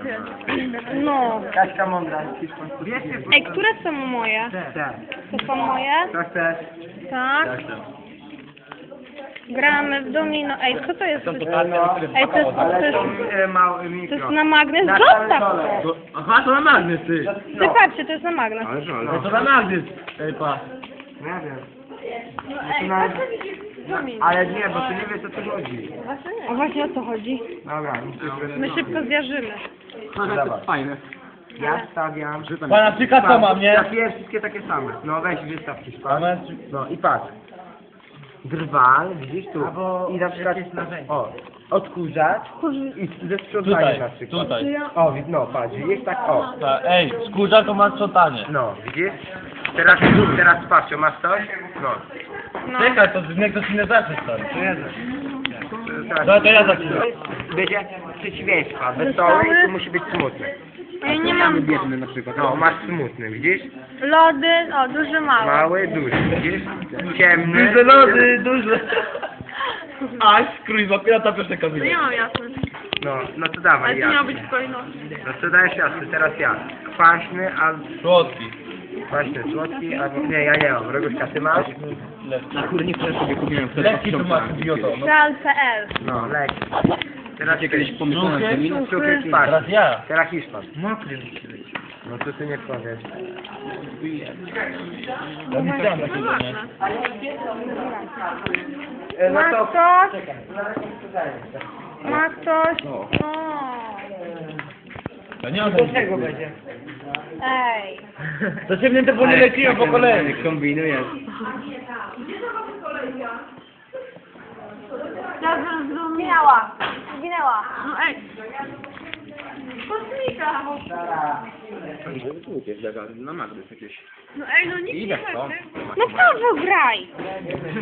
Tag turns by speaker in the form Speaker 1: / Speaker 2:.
Speaker 1: No.
Speaker 2: Kaśka mądra.
Speaker 1: Ej, które są moje?
Speaker 2: Tak.
Speaker 1: To są moje?
Speaker 2: Co chcesz?
Speaker 1: Tak. Gramy w domino. Ej, co to jest? Ej,
Speaker 2: Ale
Speaker 1: to
Speaker 2: to
Speaker 1: jest,
Speaker 2: mały
Speaker 1: to
Speaker 2: mikro.
Speaker 1: jest na magnes?
Speaker 2: Na
Speaker 1: Zostaw
Speaker 2: dole.
Speaker 1: to!
Speaker 3: Aha, to na magnes, ty.
Speaker 1: Ty patrzcie, to jest na magnes.
Speaker 3: No to na magnes. Ej, pa.
Speaker 2: Nie wiem. To na... Ale nie, bo ty nie wiesz o co chodzi.
Speaker 1: A właśnie o co chodzi?
Speaker 2: Dobra,
Speaker 1: My szybko zjarzymy.
Speaker 2: Dawaj.
Speaker 3: Fajne.
Speaker 2: Ja stawiam.
Speaker 3: Pana przyka co mam, nie?
Speaker 2: Trafiłem wszystkie takie same. No weź wystaw Hiszpan.
Speaker 3: Pana
Speaker 2: No i patrz. Drwal, widzisz tu. I na przykład, o, odkurzacz i ze sprzątaniem na przykład.
Speaker 3: Tutaj.
Speaker 2: O, no patrz, widzisz tak, o.
Speaker 3: Ej, skórza to ma sprzątanie.
Speaker 2: No, widzisz? Teraz patrz, masz coś? No.
Speaker 1: No.
Speaker 3: Czekaj, to niech ktoś inny zacznie stary.
Speaker 2: Teraz,
Speaker 3: No to ja zaczynam.
Speaker 2: będzie przeciwieństwa, wesoły i tu musi być smutny.
Speaker 1: Ja nie mam
Speaker 3: Biedny na przykład.
Speaker 2: No, masz smutny, widzisz?
Speaker 1: lody, o, duży, mały.
Speaker 2: Mały, duży, widzisz? Ciemny.
Speaker 3: Duże lody, duże. Aś, krójwa, pirata piosenka
Speaker 1: No nie mam jasny.
Speaker 2: No to dawaj,
Speaker 1: Ale to
Speaker 2: ja.
Speaker 1: miało być w kolejności.
Speaker 2: No to dajesz jasny, teraz ja. Kwaśny,
Speaker 3: Słodki.
Speaker 2: kwaśny, słodki, albo nie, ja nie mam. Roguszka, ty masz?
Speaker 3: Na kurnik też sobie kupiłem. Lekki to masz, idioto.
Speaker 1: Real.pl.
Speaker 2: No, lekki. Teraz
Speaker 3: Kiedyś pomyślałem, że mi...
Speaker 2: Cukry, patrz.
Speaker 3: Teraz ja.
Speaker 2: Teraz Hiszpan. No to ty nie powiesz.
Speaker 3: Ja nie chciałem takiego, nie?
Speaker 2: No
Speaker 1: Ma
Speaker 2: to...
Speaker 1: ktoś?
Speaker 2: Czekaj,
Speaker 1: Ma ktoś?
Speaker 3: No.
Speaker 1: No.
Speaker 3: Ja nie mam
Speaker 2: do czego będzie?
Speaker 1: Ej.
Speaker 3: To się mnie te nie leciłem po kolei.
Speaker 2: Kombinujesz.
Speaker 1: Ja zginęła. Zginęła. No ej. Kosmika.
Speaker 3: Na magnes jakieś.
Speaker 1: No ej, no nikt nie
Speaker 3: Ile to?
Speaker 1: No Paweł, graj.